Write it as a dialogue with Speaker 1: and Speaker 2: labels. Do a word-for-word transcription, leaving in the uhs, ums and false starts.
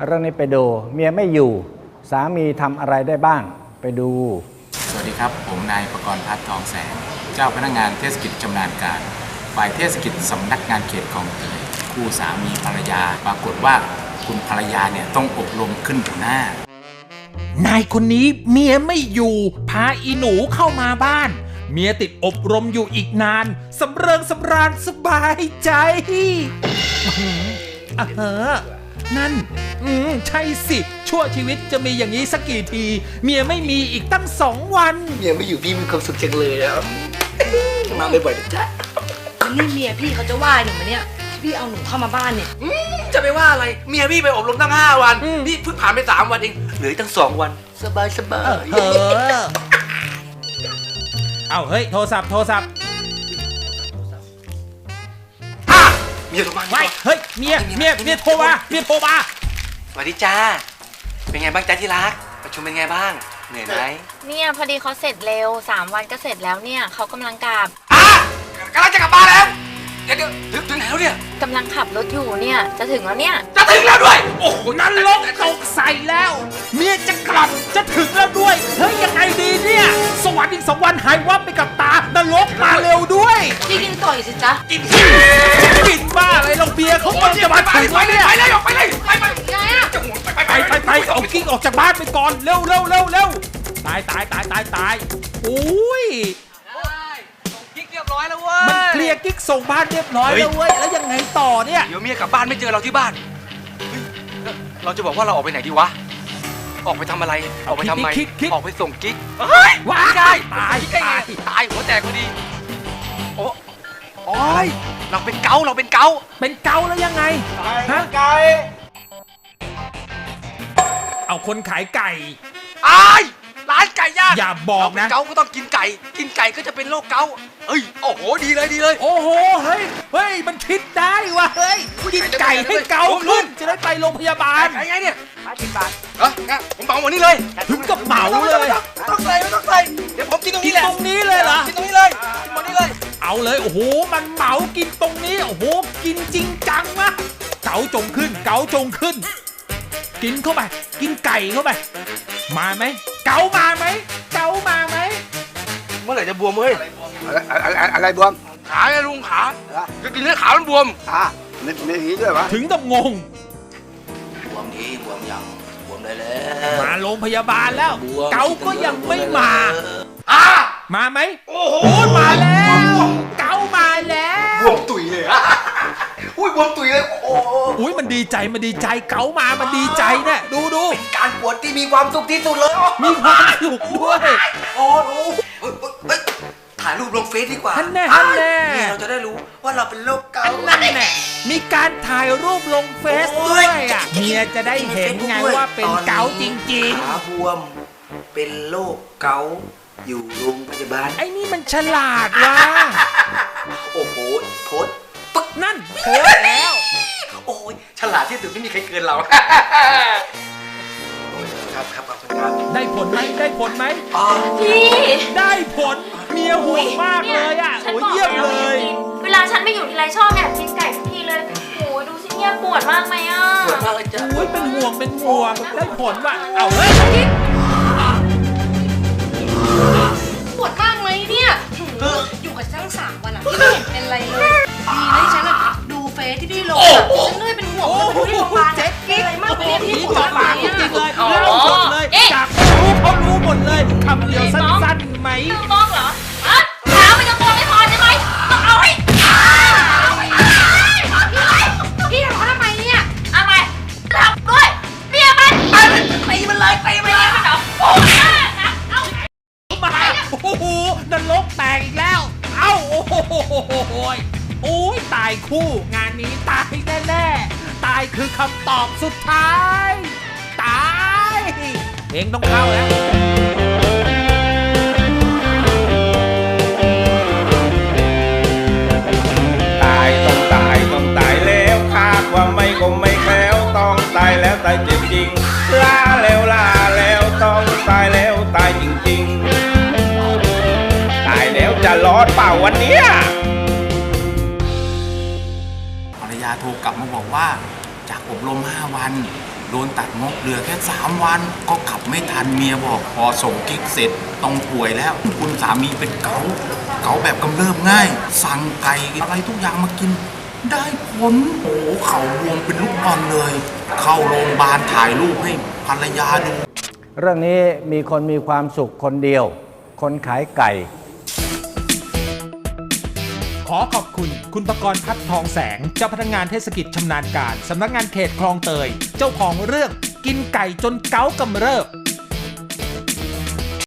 Speaker 1: เรื่องนี้ไปดูเมียไม่อยู่สามีทำอะไรได้บ้างไปดู
Speaker 2: สวัสดีครับผมนายประกรณ์พัฒน์ทองแสงเจ้าพนักงานเทศกิจชำนาญการฝ่ายเทศกิจสำนักงานเขตคลองเตยคู่สามีภรรยาปรากฏว่าคุณภรรยาเนี่ยต้องอบรมขึ้นหัวหน้าน
Speaker 3: ายคนนี้เมียไม่อยู่พาอีหนูเข้ามาบ้านเมียติดอบรมอยู่อีกนานสำเริงสำราญสบายใจอ่ะเฮะนั่นอืมใช่สิชั่วชีวิตจะมีอย่างนี้สักกี่ทีเมียไม่มีอีกตั้งสองวัน
Speaker 4: เมียไม่อยู่พี่มีความสุขจังเลยแล้วมาบ่อยๆนะจ๊ะ
Speaker 5: นี่เมียพี่เขาจะว่าหนูไหมเนี่ยพี่เอาหนูเข้ามาบ้านเนี่ย
Speaker 4: จะไปว่าอะไรเมียพี่ไปอบรมตั้งห้าวันพี่เพิ่งผ่านไปสามวันเองเหลือตั้งสองวันสบายสบาย
Speaker 3: เออเอาเฮ้ยโทรศัพท์โทรศัพท์
Speaker 4: เมียโทรมา
Speaker 3: ไว้เฮ้ยเมียเมียเมียโทรมาเมียโทรมา
Speaker 4: สวัสดีจ้าเป็นไงบ้างจ๊ะที่รักประชุมเป็นไงบ้างเหนื่อยไหม
Speaker 6: เนี่ยพอดีเขาเสร็จเร็วสามวันก็เสร็จแล้วเนี่ยเขากำลังกลับ
Speaker 4: อ่ะกำลังจะกลับบ้านแล้วเดี๋ยวถึงถึงไหนแล้วเนี่ย
Speaker 6: กำลังขับรถอยู่เนี่ยจะถึงแล้วเนี่ย
Speaker 4: จะถึงแล้วด้วยโอ้โห
Speaker 3: นั่นลงตกใส่แล้วเมียจะกลับจะถึงแล้วด้วยเฮ้ยยังไงดีเนี่ยสวรรค์อีกสองวันหายวับไปกับตานรกมาเร็วด้วย
Speaker 5: พี่กินต่อยสิจ๊ะ
Speaker 3: กินกินบ้าอะไรลงเบียร์เขากำลังจะมาถึงแล้วเนี่ย
Speaker 4: ไปเลยออกไปเลยไปไป
Speaker 3: ไปไปไปเอากิ๊กออกจากบ้านไปก่อนเร็วเร็วเร็วเร็วตายตายตายตายตายอุ้ย
Speaker 4: เรียบร้อยแล้วเว้ย
Speaker 3: มันเคลียร์กิ๊กส่งบ้านเรียบร้อยแล้วเว้ยแล้วยังไงต่อเนี่ย
Speaker 4: เดี๋ยวเมียกลับบ้านไม่เจอเราที่บ้านเราจะบอกว่าเราออกไปไหนดีวะออกไปทำอะไรออกไปทำไมออกไปส่งกิ๊กเฮ้ย
Speaker 3: ว้า
Speaker 4: ได้
Speaker 3: ตายตาย
Speaker 4: ตายหัวแตกพอดีโอ้โอ้ยเราเป็นเกาเราเป็นเกา
Speaker 3: เป็นเกาแล้วยังไงฮะ
Speaker 4: ไก่
Speaker 3: เอาคนขายไก่
Speaker 4: ไอ้ร้านไก่ย่าง
Speaker 3: อย่าบอกนะ
Speaker 4: เกาก็ต้องกินไก่กินไก่ก็จะเป็นโรคเกาเอ้ยโอ้โหดีเลยดีเลย
Speaker 3: โอ้โหเฮ้ยเฮ้ยมันคิดได้ว่ะเฮ้ยกินไก่ให้เกาขึ้นจะได้ไปโรงพยาบาล
Speaker 4: ไงเนี่ยห้าสิบบาทเอองั้นผมเหมาหมดนี้เลย
Speaker 3: ถึงกับเหมาเลย
Speaker 4: ไม่ต้องใส่ไม่ต้องใส่เดี๋ยวผมกินตรงนี้แหละ
Speaker 3: ตรงนี้เลยเหรอ
Speaker 4: กินตรงนี้เลยกินหมดนี้เลย
Speaker 3: เอาเลยโอ้โหมันเหมากินตรงนี้โอ้โหกินจริงจังมะเกาจงขึ้นเกาจงขึ้นกินเข้าไปกินไก่เข้าไปมาไหมเกามาไหมเกามาไหม
Speaker 4: เมื่อไหร่จะบวมเฮ้ย
Speaker 7: อะไรอะไรบวม
Speaker 4: ขาไงลุงขาจะกินเนื้อขามันบวม
Speaker 7: อ่ะไม่ไม่อย่างนี้ด้วยวะ
Speaker 3: ถึงกับงง
Speaker 4: บวมทีบวมยังบวมได้แล้ว
Speaker 3: มาโรงพยาบาลแล้วเกาก็ยังไม่มา
Speaker 4: อ่ะ
Speaker 3: มาไหมโอ้โหมาแล้วเกามาแล้ว
Speaker 4: บวมตุ๋ยเลยอุ้ยบวมตุ๋ยเลยโอ้
Speaker 3: อุ้ยมันดีใจมันดีใจเกามามันดีใจเนี่ยดูดู
Speaker 4: เป็นการปวดที่มีความสุขที่สุดเลย
Speaker 3: มีความสุขด้วย
Speaker 4: โอ้โหถ่ายรูปลงเฟซดีกว่า
Speaker 3: ท่านแน่ท่านแน่
Speaker 4: เราจะได้รู้ว่าเราเป็นโรคเกาต์
Speaker 3: นั่นแน่มีการถ่ายรูปลงเฟซด้วยอ่ะเมียจะได้เห็นไงว่าเป็นเกาต์จริง
Speaker 4: ๆขาบวมเป็นโรคเกาต์อยู่โรงพยาบาล
Speaker 3: ไอ้นี่มันฉลาดว่ะ
Speaker 4: โอ้โหโพส
Speaker 3: ปึ๊กนั่นโพสแล้ว
Speaker 4: โอ้ยฉลาดที่สุดไม่มีใครเกินเราครับครับขอบคุณครับ
Speaker 3: ได้ผลไหมได้ผลไหม
Speaker 6: พี่
Speaker 3: ได้ผลเมียห่วงมากเลยอ่ะโอ้ยเยี่ยมเลย
Speaker 6: เวลาฉันไม่อยู่ทีไรชอบแอบกินไก่ทุกทีเลยโอ้ยดูสิเนี่ยปวดมากไหมอ่ะ
Speaker 4: ปวดมากเลยจ้ะ
Speaker 3: โอ้ยเป็นห่วงเป็นห่วงได้ผลว่ะเอาเฮ้ย
Speaker 5: ปวดมากไหมเนี่ยอยู่กับฉันสามวันอ่ะพี่ไม่เห็นเป็นไรเลยดีนะที่ฉันดูเฟซที่พี่ลงอ่ะฉันเลยเป็นห่วงว่าพี่โรงพยาบาลเป็นอะไรมากเลยพี่ปวดมาก
Speaker 3: จริงเลยเรื่องหมดเลยจากรู้เขารู้หมดเลยคำเดียวสั้นๆไหม
Speaker 6: มองเหรอเท้ามันจะมองไม่พอใช่ไหมต้องเอาให้
Speaker 5: พี่ทำเขาทำไมเนี่ย
Speaker 6: อะไรทำด้วยเมียมัน
Speaker 4: ตีมันเลยตีมันเลย
Speaker 6: มันเหรอโอ้ยนะเอา
Speaker 3: มาโอ้โหนรกแตกอีกแล้วเอ้าโอ้โหโอ้ยตายคู่งานนี้ตายแน่ๆตายคือคำตอบสุดท้ายตายเพลงต้องเข้าแล้ว
Speaker 8: ตายต้องตายต้องตายแล้วคาดว่าไม่คงไม่แคล้วต้องตายแล้วตายจริงๆลาแล้วลาแล้วต้องตายแล้วตายจริงๆตายแล้วจะรอดเปล่าวันเนี้ย
Speaker 2: ภรรยาโทรกลับมาบอกว่าจากอบรมห้าวันโดนตัดงบเหลือแค่สามวันก็ขับไม่ทันเมียบอกพอส่งกิ๊กเสร็จต้องป่วยแล้วคุณสามีเป็นเกาเกาแบบกำเริบง่ายสั่งไก่อะไรทุกอย่างมากินได้ผลโอ้เข่าบวมเป็นลูกบอลเลย เข้าโรงพยาบาลถ่ายรูปให้ภรรยาดู
Speaker 1: เรื่องนี้มีคนมีความสุขคนเดียว คนขายไก่
Speaker 3: ขอขอบคุณคุณประกรณ์พัฒน์ทองแสงเจ้าพนักงานเทศกิจชำนาญการสำนักงานเขตคลองเตยเจ้าของเรื่องกินไก่จนเก๋ากำเริบ